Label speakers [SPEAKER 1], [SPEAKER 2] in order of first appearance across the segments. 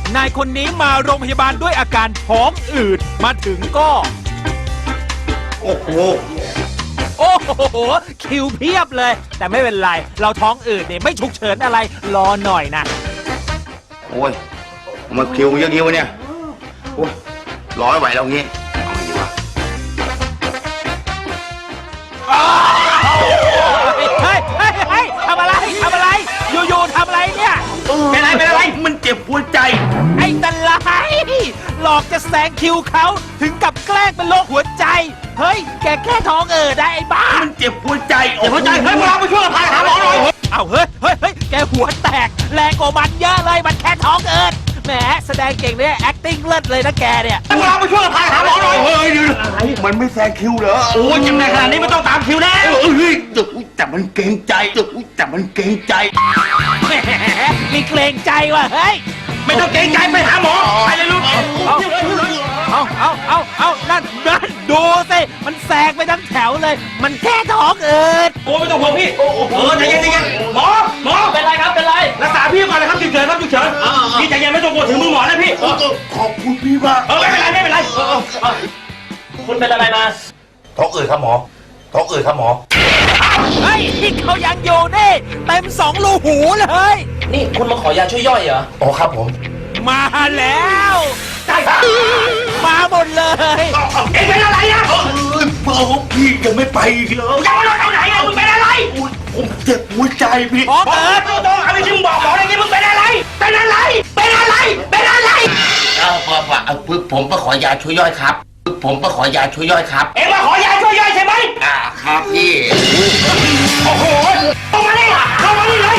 [SPEAKER 1] นายคนนี้มาโรงพยาบาลด้วยอาการท้องอืดมาถึงก็
[SPEAKER 2] โอ้โห
[SPEAKER 1] คิวเพียบเลย แต่ไม่เป็นไร เราท้องอืดเนี่ยไม่ฉุกเฉินอะไรรอหน่อยนะ
[SPEAKER 2] โอ้ยมาคิวเยอะๆวะเนี่ยโอ้ยรอไม่ไหวแล้วงี้เอาไงดีวะ
[SPEAKER 1] เฮ้ยทำอะไรอยู่ๆทำอะไรเนี่ย
[SPEAKER 2] เป็นไรมันเจ็บหัวใจ
[SPEAKER 1] ไอ้ตะไลหลอกจะแซงคิวเขาถึงกับแกล้งเป็นโรคหัวใจ เฮ้ยแกแค่ท้องได้ไอ้บ้า
[SPEAKER 2] มันเจ็บหัวใจเจ็บหัวใจเฮ้ยพวกเราไปช่วยพาหาหมอหน่อย
[SPEAKER 1] เอาเฮ้ยแกหัวแตกแรงกว่ามันเยอะเลยมันแค่ท้องแหมแสดงเก่งเนี่ย acting เลิศเลยนะแกเนี่ย
[SPEAKER 2] พวกเราไปช่วยพาหาหมอหน่อยเฮ้ยมันไม่แซงคิวเหรอโอ้ยยังไงขนาดนี้ไม่ต้องตามคิวแน่เฮ้ยแต่มันเกรงใจแต่มันเกรงใจ
[SPEAKER 1] แหมมีเกรงใจว่ะเฮ้ย
[SPEAKER 2] ไม่ต้องเกรงใจไปหาหมอไปเลยลูก
[SPEAKER 1] เอานั่นดูสิ มันแซงไปทั้งแถวเลย มันแค่ท้อง
[SPEAKER 2] โอ้ไม่ต้องห่วงพี่ใจเย็นหมอ
[SPEAKER 1] เป็นไรครับเป็นไร
[SPEAKER 2] รักษาพี่ก่อนนะครับฉุกเฉินพี่ใจเย็นไม่ต้องกลัวถึงมือหมอนะพี่ขอบคุณพี่มากไม่เป็นไร
[SPEAKER 1] คุณเป็นอะไรมา
[SPEAKER 2] ท้องอืดครับหมอท้องอืดครับหมอ
[SPEAKER 1] เฮ้ยที่เขายังอยู่นี่เต็ม2 รูหูเลย
[SPEAKER 3] นี่คุณมาขอยาช่วยย่อยเหรอ
[SPEAKER 2] อ๋อครับผม
[SPEAKER 1] มาแล้วมาหมดเลย
[SPEAKER 2] เอ็งเป็นอะไรอ่ะพี่ยังไม่ไปอีกเหรอยังไม่รู้ไหนอ่ะมึงเป็นอะไรผมเจ็บหัวใจพี่
[SPEAKER 1] ท้อง
[SPEAKER 2] ต้องอะไรที่มึงบอกหมออะไรนี่มึงเป็นอะไร
[SPEAKER 3] ผมมาขอยาช่วยย่อยครับผมมาขอยาช่วยย่อยครับ
[SPEAKER 2] เอ็งมาขอยาช่วยย่อยใช่ไหม
[SPEAKER 3] ครับพี่
[SPEAKER 2] โอ้โหเข้ามานี่เลย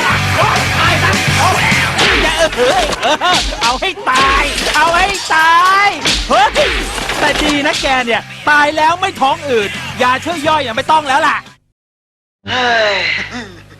[SPEAKER 1] เอาให้ตายเฮ้ยแต่ดีนะแกเนี่ยตายแล้วไม่ท้องอืดยาช่วยย่อยไม่ต้องแล้วล่ะ